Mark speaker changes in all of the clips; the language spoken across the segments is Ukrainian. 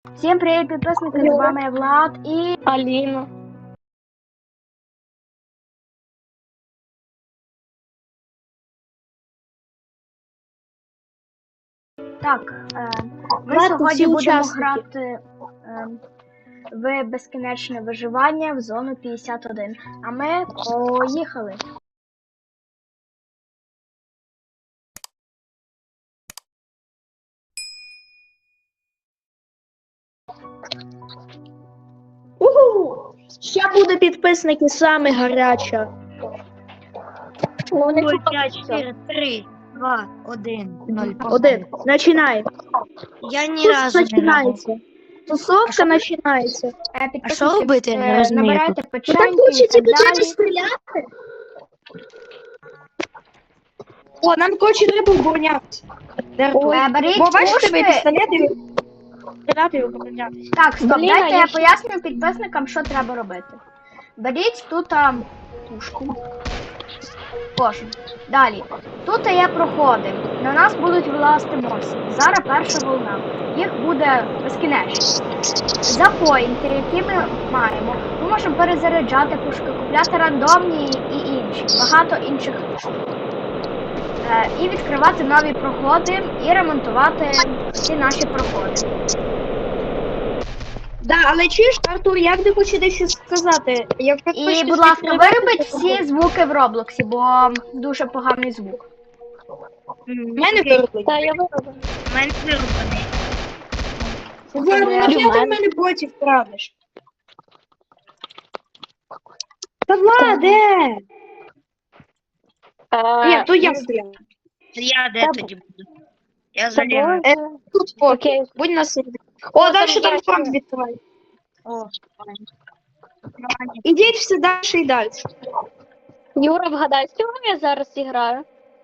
Speaker 1: Всім привіт, підписники, з вами Влад і
Speaker 2: Аліна.
Speaker 1: так, ми
Speaker 2: Влад,
Speaker 1: сьогодні
Speaker 2: всі
Speaker 1: будемо
Speaker 2: учасники.
Speaker 1: грати в безкінечне виживання в зону 51. А ми поїхали.
Speaker 2: Угу! Ще буде підписники саме гаряча.
Speaker 3: Ну, 5, 4, 3, 2, 1, 0.
Speaker 2: Один. Починай.
Speaker 3: Я ні разу не грав.
Speaker 2: Починається. Тусовка починається.
Speaker 3: А що робити? Я не розумію.
Speaker 1: Набирайте
Speaker 2: Ну так
Speaker 1: печеньки і
Speaker 2: хочете
Speaker 1: так
Speaker 2: почати
Speaker 1: далі.
Speaker 2: стріляти? О, нам коротше треба оборонятися.
Speaker 1: Беріть
Speaker 2: Бо бачите,
Speaker 1: пушки.
Speaker 2: ви пістолети стріляти і оборонятися.
Speaker 1: Так, стоп,
Speaker 2: Блін,
Speaker 1: дайте
Speaker 2: а
Speaker 1: я
Speaker 2: я
Speaker 1: поясню підписникам, що треба робити. Беріть тут пушку. Кожен. Далі. Тут є проходи. На нас будуть вилазити монстри. Зараз перша волна. Їх буде безкінечно. За поінти, які ми маємо, ми можемо перезаряджати пушки, купляти рандомні і інші. Багато інших штук. І відкривати нові проходи і ремонтувати ці наші проходи.
Speaker 2: Да, але чуєш, Артур, я тобі хочу дещо сказати. Якщо
Speaker 1: І,
Speaker 2: хочеш
Speaker 1: будь ласка,
Speaker 2: відкривати,
Speaker 1: виробіть
Speaker 2: то
Speaker 1: всі звуки в Роблоксі, бо дуже поганий звук.
Speaker 2: в мене виробить.
Speaker 3: Та я виробив. У мене вироблений.
Speaker 2: Ладно, нафіга ти в мене ботів крадеш? Та Владе! Ні, то я стріляю.
Speaker 3: Я де тоді буду? Я залягаю.
Speaker 2: Тут поки.
Speaker 3: Окей.
Speaker 2: Будь на сиді. О, далі там
Speaker 3: є
Speaker 2: фронт
Speaker 3: ще.
Speaker 2: відкривай.
Speaker 3: О,
Speaker 2: Ідіть все далі і далі.
Speaker 4: Юра, вгадай, з чого я зараз граю?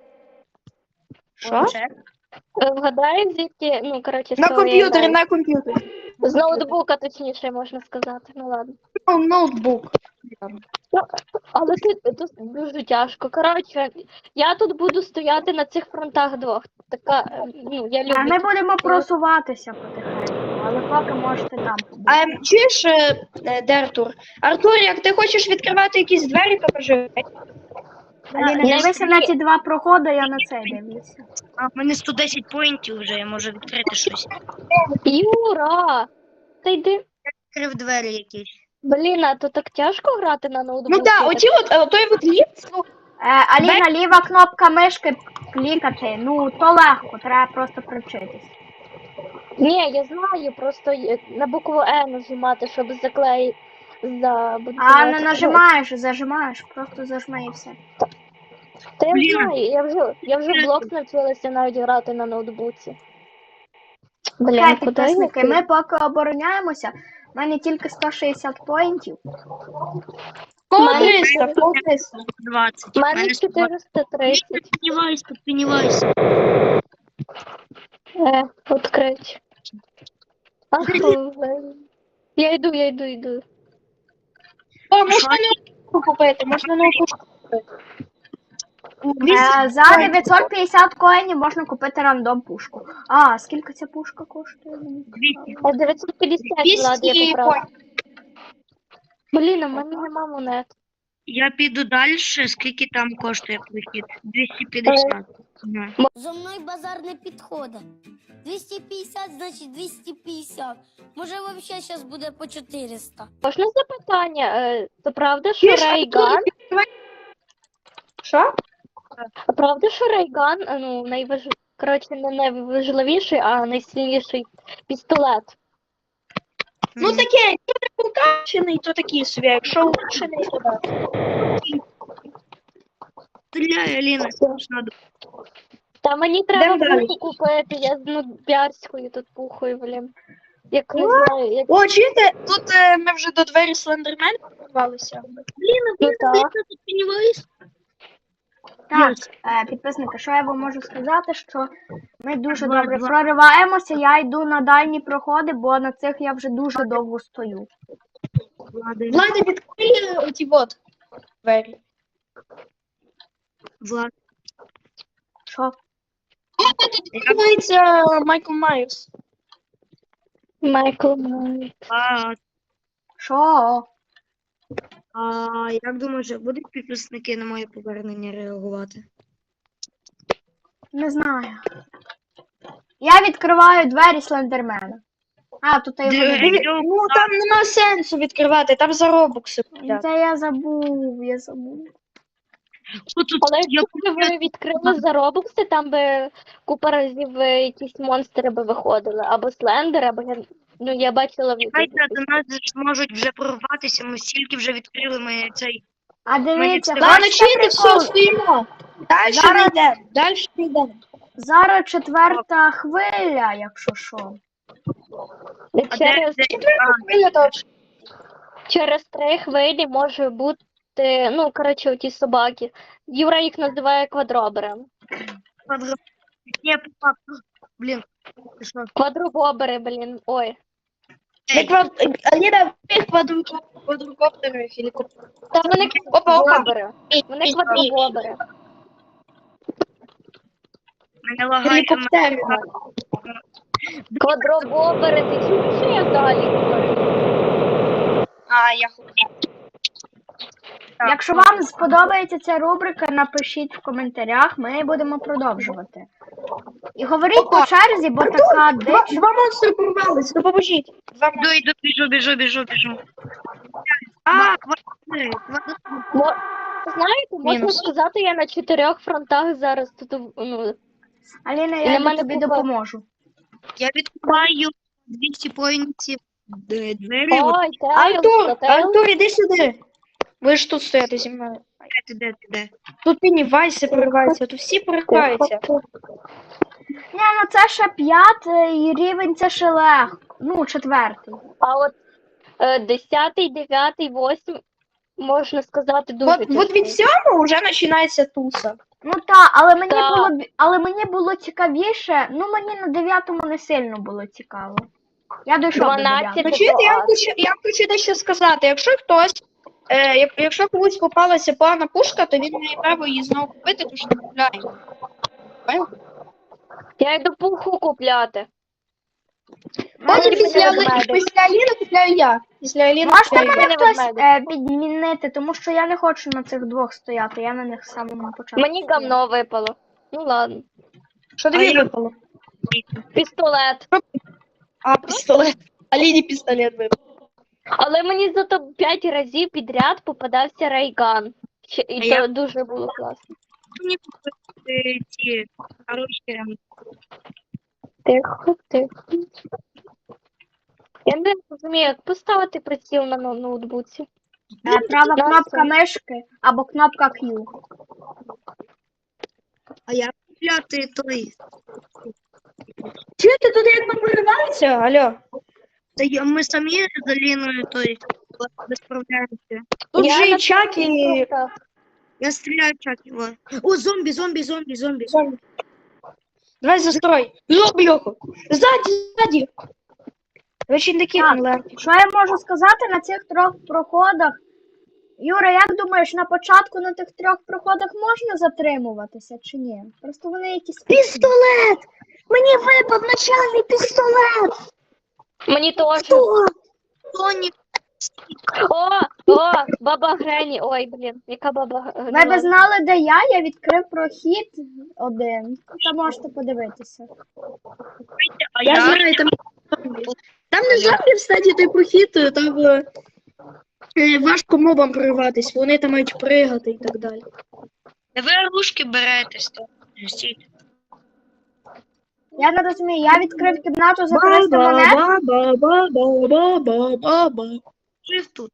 Speaker 2: Що?
Speaker 4: Вгадай, звідки, ну, коротше, з
Speaker 2: На
Speaker 4: чого я
Speaker 2: комп'ютері,
Speaker 4: граю.
Speaker 2: на комп'ютері.
Speaker 4: З ноутбука, точніше, можна сказати. Ну ладно.
Speaker 2: Ноутбук.
Speaker 4: Але тут дуже тяжко. Коротше, я тут буду стояти на цих фронтах двох. Така, ну, я люблю.
Speaker 1: А ми
Speaker 4: тут
Speaker 1: будемо
Speaker 4: таке.
Speaker 1: просуватися потихеньку, але поки можете там побути.
Speaker 2: Чуєш, де Артур? Артур, як ти хочеш відкривати якісь двері, то кажи.
Speaker 1: Аліна, дивися на ці два проходи, я на цей дивлюся.
Speaker 3: А в мене 110 поінтів вже, я можу відкрити щось.
Speaker 4: Юра! Та йди.
Speaker 3: Відкрив двері якісь.
Speaker 4: Блін, а то так тяжко грати на ноутбуці.
Speaker 2: Ну так, оті той от ліфт, ну,
Speaker 1: Аліна, ліва кнопка мишки клікати. Ну, то легко, треба просто привчитись.
Speaker 4: Ні, я знаю, просто на букву Е нажимати, щоб заклеїти.
Speaker 1: А не нажимаєш, зажимаєш, просто зажми і все.
Speaker 4: Та я
Speaker 3: Блін.
Speaker 4: знаю, я вже блок навчилася навіть грати на ноутбуці. Блін,
Speaker 1: Хай,
Speaker 4: куди я?
Speaker 1: підписники, ми поки обороняємося. У мене тільки 160 поінтів.
Speaker 2: полтиста, полтиста.
Speaker 3: 20.
Speaker 4: У мене 430.
Speaker 3: Піднімайся, піднімайся.
Speaker 4: Відкрить. Ах, блін. Я йду.
Speaker 2: О, можна ноутбук купити, можна ноутбук купити.
Speaker 1: За 950 коїнів можна купити рандом пушку. А, скільки ця пушка коштує?
Speaker 4: 950, Влад, я
Speaker 2: 200
Speaker 4: поправила. Блін, у мене нема монет.
Speaker 3: Я піду далі, скільки там коштує прохід? 250. Ага.
Speaker 5: Зо мною базар не підходить. 250, значить 250. Може, взагалі зараз буде по 400.
Speaker 4: Можна запитання? Це правда, що Рейган?
Speaker 2: Що?
Speaker 4: А правда, що Рейган, ну, коротше, не найважливіший, а найсильніший пістолет?
Speaker 2: Ну таке, якщо не покачений, то такий собі, а якщо улучшений, то так.
Speaker 3: Стріляй, Аліна, надо.
Speaker 4: Та мені треба
Speaker 2: Йдем далі.
Speaker 4: пуху купити, я піарською тут пухою, блін. Як не знаю, як...
Speaker 2: О, чуєте, тут ми вже до двері Слендермен порвалися.
Speaker 4: Ну, так.
Speaker 3: Піднімайся.
Speaker 1: Так, підписники, що я вам можу сказати, що ми дуже
Speaker 3: Два,
Speaker 1: добре
Speaker 3: два.
Speaker 1: прориваємося, я йду на дальні проходи, бо на цих я вже дуже довго стою.
Speaker 2: Влада, відкрий оті вот двері.
Speaker 3: Влад.
Speaker 1: Що?
Speaker 2: Тут відкривається Майкл Майерс.
Speaker 4: Майкл Майк.
Speaker 1: Що?
Speaker 3: А як думаєш, будуть підписники на моє повернення реагувати?
Speaker 1: Не знаю. Я відкриваю двері Слендермена. А, тут я його не
Speaker 3: Диви,
Speaker 1: бачу.
Speaker 2: Ну там нема сенсу відкривати, там заробокси.
Speaker 1: Та я забув.
Speaker 3: Тут
Speaker 4: Але
Speaker 3: я
Speaker 4: якщо б ви відкрили за Робокси, там би купа разів якісь монстри би виходили. Або слендер, або я бачила в
Speaker 3: Чекайте,
Speaker 1: Ютубі.
Speaker 3: до нас же ж можуть вже прорватися, ми стільки вже відкрили, ми цей...
Speaker 1: А дивіться,
Speaker 3: Ладно,
Speaker 2: Ладно,
Speaker 1: бачите
Speaker 2: чити, все,
Speaker 1: прикол?
Speaker 2: стоїмо. Дальше
Speaker 1: Зараз-
Speaker 2: не йдемо, дальше не йдемо.
Speaker 1: Зараз 4-та хвиля, якщо що.
Speaker 2: Хвиля точно.
Speaker 4: Через 3 хвилі може бути, ну, коротше, оті собаки. Юра їх називає квадроберами.
Speaker 3: Ні, папа, блін, ти що?
Speaker 4: Квадробобери, блін, ой.
Speaker 2: Аліна, квадрокоптери, гелікоптери.
Speaker 4: Та вони
Speaker 2: Опа, опа.
Speaker 4: квадробобери. Вони квадробобери.
Speaker 3: Мене лагає,
Speaker 2: Гелікоптери.
Speaker 4: Квадробобери, ти чуєш, що я далі говорю?
Speaker 2: А, я хотів.
Speaker 3: Так,
Speaker 1: Якщо вам сподобається ця рубрика, напишіть в коментарях, ми будемо продовжувати. І говоріть
Speaker 2: Опа.
Speaker 1: по черзі, бо така дич.
Speaker 2: Два монстри порвались, допоможіть. Два монстри.
Speaker 3: Йду, біжу. А, квартири.
Speaker 4: Знаєте, можна
Speaker 2: Мінус.
Speaker 4: сказати, я на 4 фронтах зараз тут, ну,
Speaker 1: Аліна,
Speaker 4: І на
Speaker 1: я
Speaker 4: мене
Speaker 1: тобі
Speaker 4: купа.
Speaker 1: допоможу.
Speaker 3: Я відкриваю 200 поінтів двері.
Speaker 4: ой,
Speaker 2: Артур, іди сюди. Ви ж тут стоїте зі мною.
Speaker 3: Де?
Speaker 2: Тут Пеннівайси пориваються, тут всі пориваються.
Speaker 1: Ні, ну це ще 5-й рівень, це ще легко. Ну, 4-й.
Speaker 4: А от 10-й, 9-й, 8-й, можна сказати, дуже
Speaker 2: Вот від цього вже починається туса.
Speaker 1: Ну так, але мені
Speaker 4: Так.
Speaker 1: було мені було цікавіше. Ну мені на 9-му не сильно було цікаво. Я дійшов до
Speaker 4: 12.
Speaker 1: 9-го.
Speaker 2: Ну, чуєте, я хочу дещо сказати. Якщо хтось, якщо комусь попалася погана пушка, то він має право її знову купити, тому що не купляє. Понял?
Speaker 4: Я йду пуху купляти.
Speaker 2: Потім
Speaker 4: Мені
Speaker 2: після
Speaker 4: ведмедик.
Speaker 2: Аліни купляю я. Після Аліни
Speaker 1: Можете
Speaker 2: купляю я.
Speaker 1: мене
Speaker 4: Мене
Speaker 1: хтось
Speaker 4: ведмедик.
Speaker 1: підмінити, тому що я не хочу на цих двох стояти, я на них з самого початку.
Speaker 4: Мені гамно випало. Ну ладно.
Speaker 2: Що
Speaker 3: А
Speaker 2: тобі
Speaker 3: я-
Speaker 2: випало?
Speaker 4: Пістолет.
Speaker 2: А, пістолет. Аліні пістолет випав.
Speaker 4: Але мені зато 5 разів підряд попадався рейган. І
Speaker 3: А
Speaker 4: то
Speaker 3: я-
Speaker 4: дуже було класно.
Speaker 3: Мені купити ці хороші.
Speaker 4: Тихо. Я не розумію, як поставити приціл на ноутбуці.
Speaker 1: Права
Speaker 4: Класно.
Speaker 1: кнопка мишки або кнопка Q.
Speaker 3: А я купляти той.
Speaker 2: Чуєте, тут як поривається? Алло.
Speaker 3: Ми самі з Аліною той справляємося.
Speaker 2: Тут
Speaker 4: Я
Speaker 2: же
Speaker 4: на
Speaker 2: і чак, і...
Speaker 3: Я стріляю чак його. О, зомбі.
Speaker 2: Давай застрой. Зомбі його. Ззаді. Ви ще не кикнули.
Speaker 1: Що я можу сказати на цих 3 проходах? Юра, як думаєш, на початку на тих 3 проходах можна затримуватися чи ні? Просто вони якісь...
Speaker 2: Пістолет! Мені випав начальний пістолет!
Speaker 4: Мені теж.
Speaker 3: Тоні,
Speaker 4: О, баба Грені. Ой, блін, яка баба
Speaker 1: Ви б
Speaker 4: Грені.
Speaker 1: знали, де я відкрив прохід один. Там можете подивитися.
Speaker 3: а
Speaker 2: Я
Speaker 3: я
Speaker 2: знаю, там не зомбі, кстати, той прохід, там важко мобам прориватись, вони там мають пригати і так далі.
Speaker 3: ви рушки беретесь. Стійте.
Speaker 1: Я не розумію, я відкрив кімнату за 300 монет.
Speaker 2: Ба-ба-ба-ба-ба-ба-ба.
Speaker 3: Жив тут.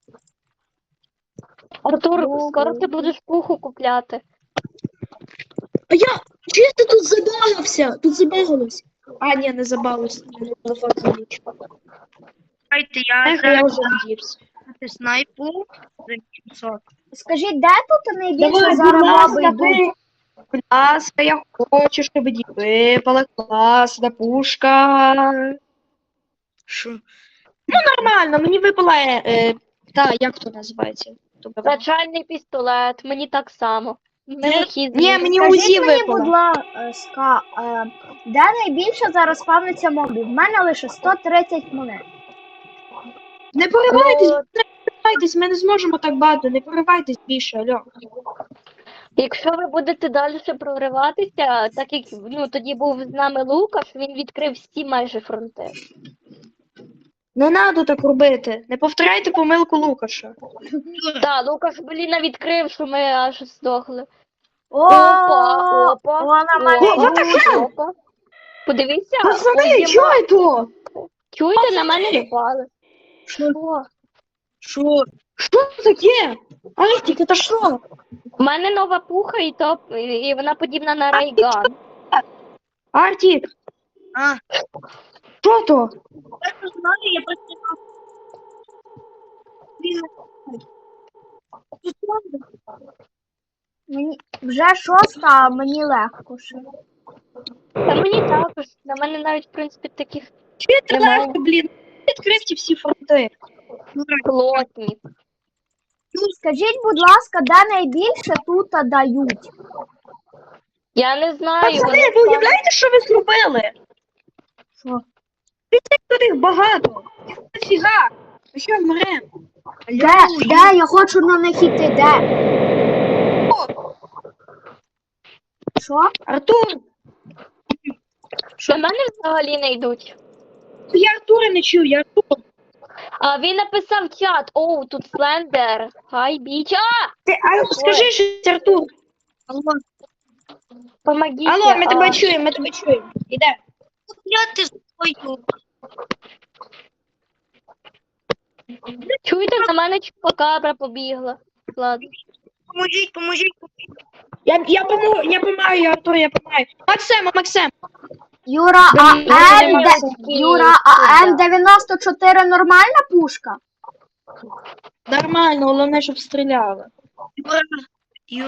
Speaker 4: Артур,
Speaker 1: Добре.
Speaker 4: скоро ти будеш пуху купляти.
Speaker 2: А я чисто тут забагався, тут забагалось. А, ні, не забагався, телефон заліч.
Speaker 3: Чекайте, я
Speaker 2: Ех, я
Speaker 3: зараз
Speaker 2: вже вдівся.
Speaker 3: снайпу за 700.
Speaker 1: Скажіть, де тут найбільше
Speaker 2: Давай,
Speaker 1: зараз
Speaker 2: будь
Speaker 1: моби
Speaker 2: ласка,
Speaker 1: йдуть?
Speaker 2: будь ласка, я хочу, щоб мені випала класна пушка.
Speaker 3: Що?
Speaker 2: Нормально, мені випала, як то називається?
Speaker 4: Начальний пістолет, мені так само. Мелкий
Speaker 2: Ні,
Speaker 4: звір.
Speaker 2: мені
Speaker 1: Скажіть
Speaker 2: УЗІ
Speaker 1: мені, будь
Speaker 2: випало.
Speaker 1: ласка, де найбільше зараз спавниться мобів? В мене лише 130 монет.
Speaker 2: Не поривайтесь,
Speaker 4: Ну,
Speaker 2: не поривайтесь, ми не зможемо так багато, не поривайтесь більше, алло.
Speaker 4: якщо ви будете далі прориватися, так як ну, тоді був з нами Лукаш, він відкрив всі майже фронти.
Speaker 2: Не треба так робити. Не повторяйте помилку Лукаша.
Speaker 4: Так, Лукаш, блін, відкрив, що ми аж здохли.
Speaker 1: О,
Speaker 4: Опа.
Speaker 1: вона мене
Speaker 2: О, what the
Speaker 1: йдуть.
Speaker 2: hell?
Speaker 4: Опа. Подивіться,
Speaker 2: Пацани,
Speaker 4: ось
Speaker 2: чого то?
Speaker 4: чуєте, на мене напали. Що?
Speaker 2: Що? Що таке? Артік, це що?
Speaker 4: У мене нова пуха, і вона подібна на рейган.
Speaker 2: Артік,
Speaker 3: А,
Speaker 2: що то?
Speaker 3: я не знаю, я просто...
Speaker 1: Мені вже 6, а мені легко ще.
Speaker 4: Та мені також, на мене навіть, в принципі, таких
Speaker 2: Чуєте
Speaker 4: Немає.
Speaker 2: легко, блін? Відкрив ті всі фронти.
Speaker 4: плотні.
Speaker 1: Скажіть, будь ласка, де найбільше тут дають?
Speaker 4: Я не знаю,
Speaker 2: Пацани, ви уявляєте, що ви зробили?
Speaker 1: Що?
Speaker 2: Тут їх багато. Їх дофіга. Ми що, вмремо?
Speaker 1: Де? Я хочу на них іти, де? Що?
Speaker 2: Артур,
Speaker 4: До мене взагалі не йдуть.
Speaker 2: я Артура не чую, я Артур.
Speaker 4: А він написав в чат, оу, тут Слендер, хай біч,
Speaker 2: Скажи щось, Артур.
Speaker 3: Алло,
Speaker 4: помогіть.
Speaker 2: Алло, ми тебе чуємо, ми тебе чуємо. Іде.
Speaker 3: я ти свою.
Speaker 4: Чуєте, на мене чупакабра побігла. Ладно.
Speaker 3: Поможіть.
Speaker 2: Я помагаю, Артур, я помагаю. Максим.
Speaker 1: Юра, Юра, а М94 нормальна пушка?
Speaker 2: Нормально, головне, щоб стріляли.
Speaker 3: Юр,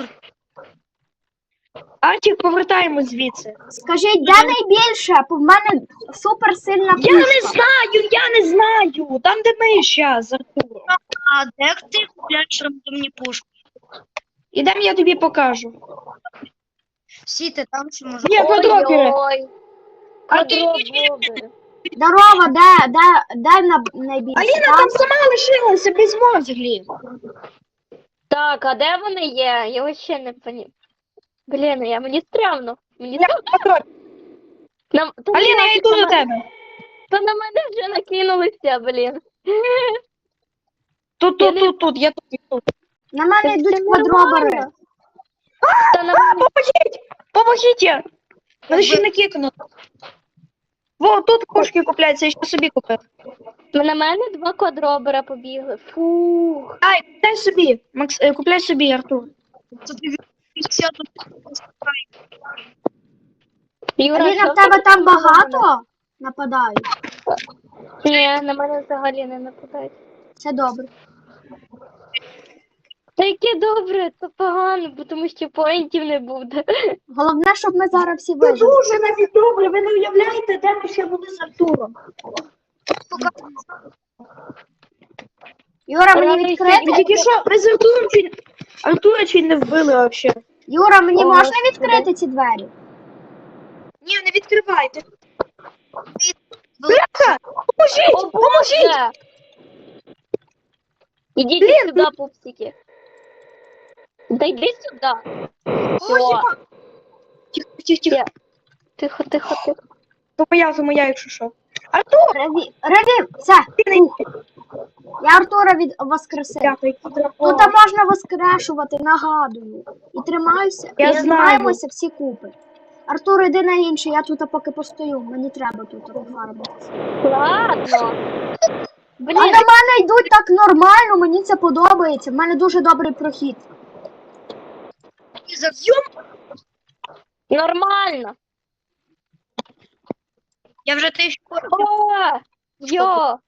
Speaker 2: Артік, повертаємо звідси.
Speaker 1: Скажіть, де найбільше? Бо в мене суперсильна пушка.
Speaker 2: Я не знаю. Там, де ми зараз з Артуром.
Speaker 3: а де ти купляєш рандомні пушки?
Speaker 2: Ідем, я тобі покажу.
Speaker 3: Всі ти там чи може?
Speaker 2: Ні, квадробери.
Speaker 4: Ой-ой. Квадробери.
Speaker 1: Здорово, де найбільше?
Speaker 2: Аліна
Speaker 1: Там?
Speaker 2: там сама лишилася без мозглів.
Speaker 4: Так, а де вони є? Я ще не поні. Блін, мені стрьомно. Мені
Speaker 2: Аліна, я йду до тебе.
Speaker 4: Та на мене вже накинулися, блін.
Speaker 2: Тут, я тут.
Speaker 1: На мене
Speaker 4: Це
Speaker 1: йдуть
Speaker 4: нормально.
Speaker 1: квадробери.
Speaker 4: Та на мене
Speaker 2: Поможіть! Мене ще не кикнуть. Во, тут кошки купляються, я ще собі купив.
Speaker 4: на мене 2 квадробера побігли. Фух.
Speaker 2: Дай собі. Купляй собі, Артур.
Speaker 4: Юра,
Speaker 1: Аліна,
Speaker 4: що
Speaker 1: в тебе там
Speaker 4: на мене?
Speaker 1: багато нападають?
Speaker 4: Ні, на мене взагалі не нападають.
Speaker 1: Це добре.
Speaker 4: Та яке добре, це погано, бо тому що поінтів не буде.
Speaker 1: Головне, щоб ми зараз всі
Speaker 2: Це
Speaker 1: вижили.
Speaker 2: дуже навіть добре, ви не уявляєте, де ми ще були з Артуром.
Speaker 1: Юра, мені
Speaker 4: Правда,
Speaker 2: Ми
Speaker 1: відкрити?
Speaker 2: тільки що, ми з Артура чуть не вбили взагалі.
Speaker 1: Юра, мені
Speaker 4: О,
Speaker 1: можна
Speaker 4: Господи.
Speaker 1: відкрити ці двері?
Speaker 2: Ні, не відкривайте. Бляха, поможіть, поможіть!
Speaker 4: Боже! Ідіть
Speaker 2: Блін,
Speaker 4: сюди, пупсики. Да йди сюди.
Speaker 2: Ой,
Speaker 4: Все.
Speaker 2: єба. Тихо.
Speaker 4: Тихо.
Speaker 2: То моя, якщо що. Артур!
Speaker 1: Реві, все. Ух. Я Артура воскресив.
Speaker 2: Дякую, який дракон.
Speaker 1: Тут можна воскрешувати, нагадую. І тримаюся,
Speaker 2: Я
Speaker 1: і
Speaker 2: знаю.
Speaker 1: тримаємося всі купи. Артур, іди на інше, я тут поки постою. Мені треба тут пофармитися.
Speaker 4: Ладно.
Speaker 1: А
Speaker 4: Блін,
Speaker 1: до мене йдуть так нормально, мені це подобається. В мене дуже добрий прохід.
Speaker 4: нормально.
Speaker 3: Я вже те що
Speaker 4: О, йо.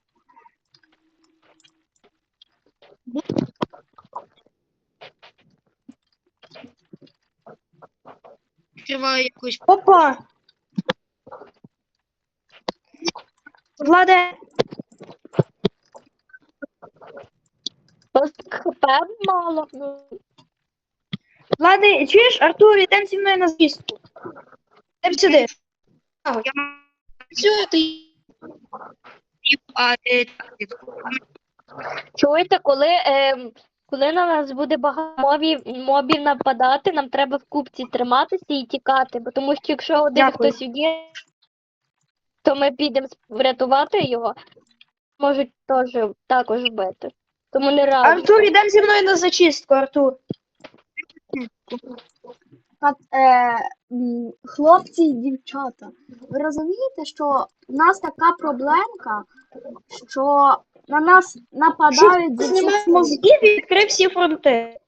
Speaker 3: відкриваю якусь.
Speaker 2: Опа! Владе,
Speaker 4: Ось хп мало. Ну,
Speaker 2: Ладно, чуєш, Артур, йдемо зі мною на звістку. Йдемо сюди.
Speaker 3: Я
Speaker 2: Все, ти...
Speaker 3: а ти
Speaker 4: Чуєте, коли на нас буде багато мобів нападати, нам треба в купці триматися і тікати, бо тому що якщо один
Speaker 2: Дякую.
Speaker 4: хтось є, то ми підемо врятувати його, можуть також вбити. Тому не раджу.
Speaker 2: Артур, йдемо зі мною на зачистку, Артур.
Speaker 1: Хлопці і дівчата, ви розумієте, що в нас така проблемка, що на нас нападають з
Speaker 2: Знімай
Speaker 1: усіх сил.
Speaker 2: мозгів і відкрив всі фронти.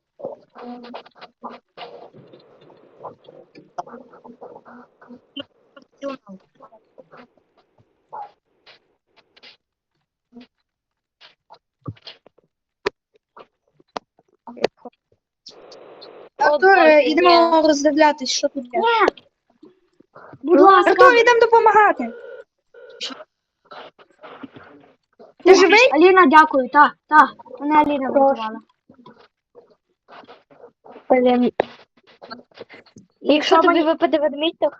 Speaker 2: Артур,
Speaker 4: Боже,
Speaker 2: йдемо роздивлятись, що тут є.
Speaker 1: Ні! Будь ласка,
Speaker 2: Артур, йдемо допомагати. Ти живий?
Speaker 1: Аліна, дякую, мене Аліна врятувала.
Speaker 4: Блін. Якщо
Speaker 1: Що
Speaker 4: тобі
Speaker 1: мені-
Speaker 4: випаде ведмідь, то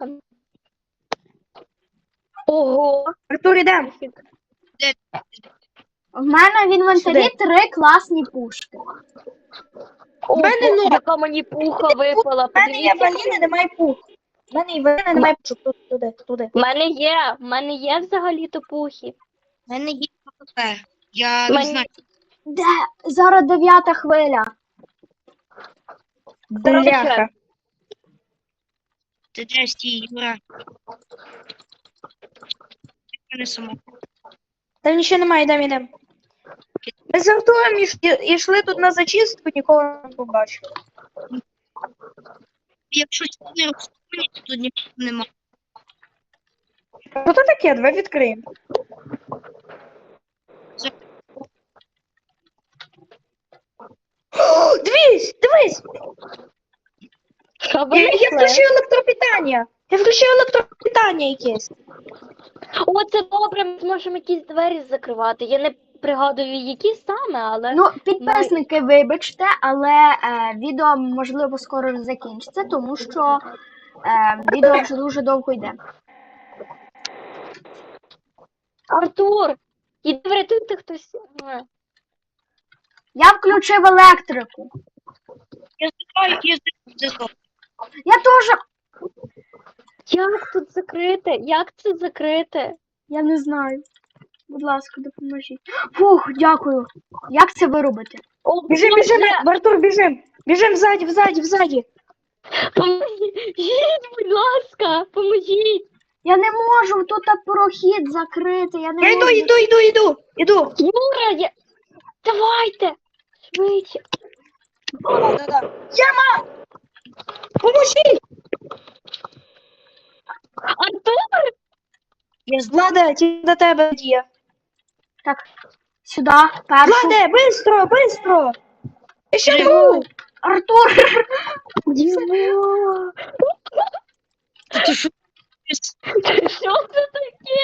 Speaker 4: Ого!
Speaker 2: Артур, йдемо.
Speaker 1: В мене в інвентарі
Speaker 2: Сюди.
Speaker 1: 3 класні пушки.
Speaker 4: Ого,
Speaker 2: мене ноль.
Speaker 4: яка мені пуха випала.
Speaker 2: У мене є
Speaker 4: Подивіться.
Speaker 2: Валіни, немає пух. У мене і Валіни, немає пух. Туди.
Speaker 4: В мене є взагалі-то пухи.
Speaker 3: в мене є АПП. Я
Speaker 4: Мені-
Speaker 3: не знаю.
Speaker 1: Де? Зараз 9 хвиля.
Speaker 2: Бляха.
Speaker 3: Ти де стій, Юра? Не само.
Speaker 2: Там нічого немає, йдемо. Ми з Артуром йшли тут на зачистку, нікого не побачили.
Speaker 3: Якщо не розповіли, то тут нічого нема.
Speaker 2: Що це таке? Давай відкриємо. О, дивись!
Speaker 4: Що ви
Speaker 2: Я
Speaker 4: знайшли?
Speaker 2: включив електропитання. Я включив електропитання якесь.
Speaker 4: О, це добре, ми зможемо якісь двері закривати. Я не пригадую, які саме, але
Speaker 1: Ну, підписники, вибачте, але відео, можливо, скоро закінчиться, тому що відео вже дуже довго йде.
Speaker 4: Артур, іди врятуйте хтось.
Speaker 1: Я включив електрику.
Speaker 3: Я здиваю.
Speaker 1: Я теж.
Speaker 4: Як тут закрити? Як це закрити?
Speaker 1: Я не знаю. Будь ласка, допоможіть. Фух, дякую. Як це виробити?
Speaker 4: О,
Speaker 2: Біжим,
Speaker 4: Боже,
Speaker 2: Артур, біжим. Біжим ззаді.
Speaker 4: Поможіть, будь ласка, поможіть.
Speaker 1: Я не можу, тут прохід закрити. Я не
Speaker 2: Я
Speaker 1: можу.
Speaker 2: йду.
Speaker 4: Юра, давайте, швидше.
Speaker 2: Яма! Поможіть!
Speaker 4: Артур,
Speaker 2: Влада, ті до тебе є.
Speaker 1: Так, сюди, першу.
Speaker 2: Влада, бистро! Я ще
Speaker 3: Живу.
Speaker 2: живу!
Speaker 1: Артур!
Speaker 4: Дімо,
Speaker 3: Ти що?
Speaker 4: що це таке?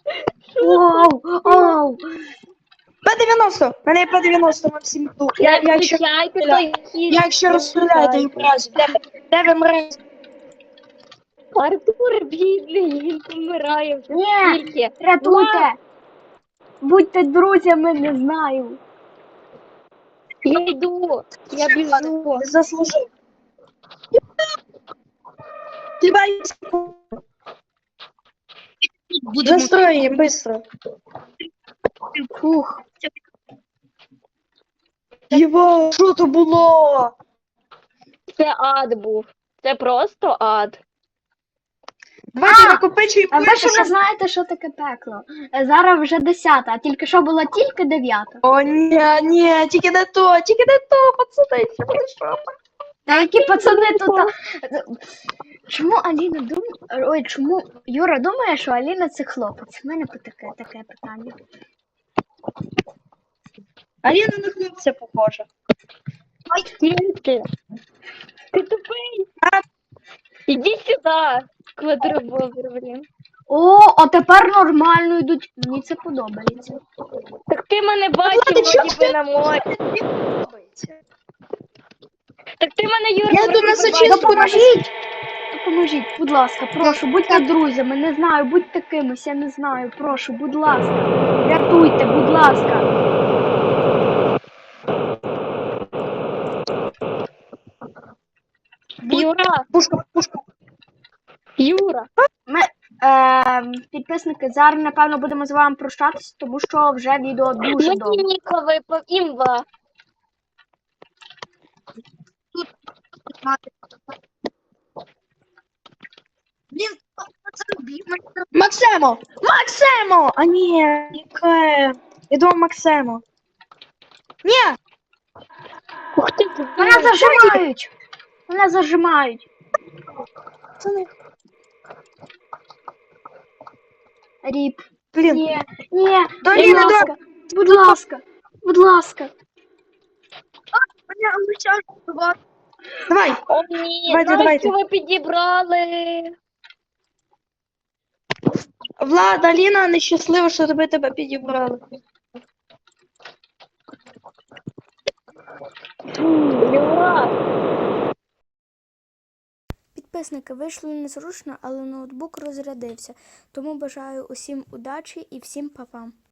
Speaker 1: Оу!
Speaker 2: П-90! Мене є П-90, Максим. Я ще
Speaker 4: Включайте той хід.
Speaker 2: Я ще розстріляю, даю разі. Де ви мрез?
Speaker 4: Артур, бідний, він помирає вже
Speaker 1: Ні,
Speaker 4: скільки.
Speaker 1: рятуйте! Будьте друзями, не знаю.
Speaker 4: Я йду, я біжу.
Speaker 2: Заслужив. Тебе
Speaker 3: Будемо.
Speaker 2: Застроїмо, быстро.
Speaker 1: Фух.
Speaker 2: Єво, що то було?
Speaker 4: Це ад був. Це просто ад.
Speaker 2: Давайте накопичуємо.
Speaker 1: А ви ще не знаєте, що таке пекло. Зараз вже 10, а тільки що була тільки 9.
Speaker 2: О, ні, тільки не то, пацани, що буде що?
Speaker 1: Та які пацани тут. Чому Аліна думає. Ой, чому Юра думає, що Аліна це хлопець? У мене таке питання.
Speaker 2: Аліна на хлопця похожа.
Speaker 4: Тільки. Ти тупий. Іди сюди, квадробобер, блін.
Speaker 1: О, а тепер нормально йдуть. Мені це подобається.
Speaker 4: Так ти мене бачив,
Speaker 2: Ладно, чого
Speaker 4: вроді би
Speaker 2: ти-
Speaker 4: на морі. Так ти мене, Юра,
Speaker 2: Я тут на
Speaker 4: вибиваєш.
Speaker 2: зачистку
Speaker 1: Допоможіть, будь ласка, прошу, будьте друзями, не знаю, будьте кимось, я не знаю, прошу, будь ласка, рятуйте, будь ласка.
Speaker 4: Юра,
Speaker 2: Пушка.
Speaker 4: Юра.
Speaker 1: Підписники, зараз, напевно, будемо з вами прощатися, тому що вже відео дуже довго.
Speaker 4: Мені Ніко випав імба.
Speaker 3: Блін, зарубів мене.
Speaker 2: Максимо! А ні, яке? Я думав Максимо. Ні,
Speaker 4: Ух ти,
Speaker 1: Мене зажимають! Мене зажимають.
Speaker 2: пацани.
Speaker 1: Ріп.
Speaker 2: Блін,
Speaker 1: Ні, ні,
Speaker 2: Доліна,
Speaker 1: будь ласка, будь ласка, будь ласка.
Speaker 3: Мене обіцяють побувати.
Speaker 2: давай.
Speaker 4: О, ні,
Speaker 2: Давайте.
Speaker 4: нащо ви підібрали?
Speaker 2: Влад, Аліна, нещаслива, що тебе підібрали.
Speaker 4: Юра.
Speaker 1: Підписники, вийшло незручно, але ноутбук розрядився. Тому бажаю усім удачі і всім па-па.